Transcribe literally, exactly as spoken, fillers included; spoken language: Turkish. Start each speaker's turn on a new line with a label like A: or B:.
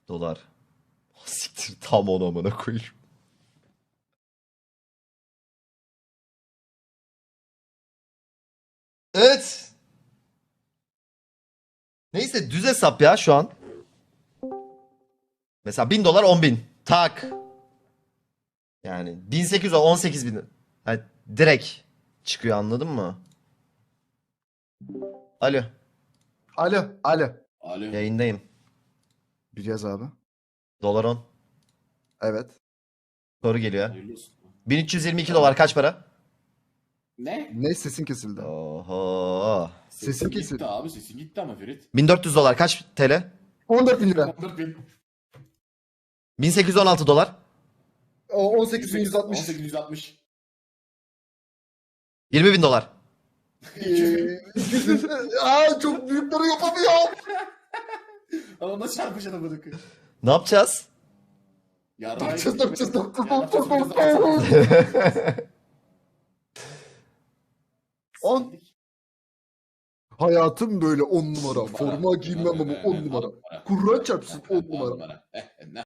A: Dolar. Siktir tam onu amına koyayım. Evet. Neyse düz hesap ya şu an. Mesela bin dolar on bin. Tak. Yani bin sekiz yüz on sekiz bin. Yani direkt çıkıyor anladın mı? Alo.
B: Alo. Alo.
C: Alo.
A: Yayındayım.
B: Biliyoruz abi.
A: Dolar on.
B: Evet.
A: Soru geliyor.
C: Hayırlı olsun.
A: bin üç yüz yirmi iki dolar kaç para?
C: Ne?
B: Ne sesin kesildi?
A: Oho.
B: Sesin
C: gitti
B: kesildi.
C: abi, sesin gitti ama Ferit.
A: bin dört yüz dolar kaç T L?
B: on dört bin lira.
C: on dört bin.
A: bin sekiz yüz on altı dolar.
B: O on sekiz bin yüz altmış.
C: on sekiz yüz altmış.
A: yirmi bin dolar.
B: Aa çok büyükleri yapamıyorum.
C: Ama çarpışan amına koyayım.
A: Ne yapacağız?
C: Yarrağı
B: Yapacağız, yapacağız, yapacağız,
C: Ya,
B: yapacağız,
C: yapacağız,
B: yapacağız. On. Hayatım böyle on numara. Forma giymem ama on numara. Kur'an çarpsın on numara.
C: Eh, ne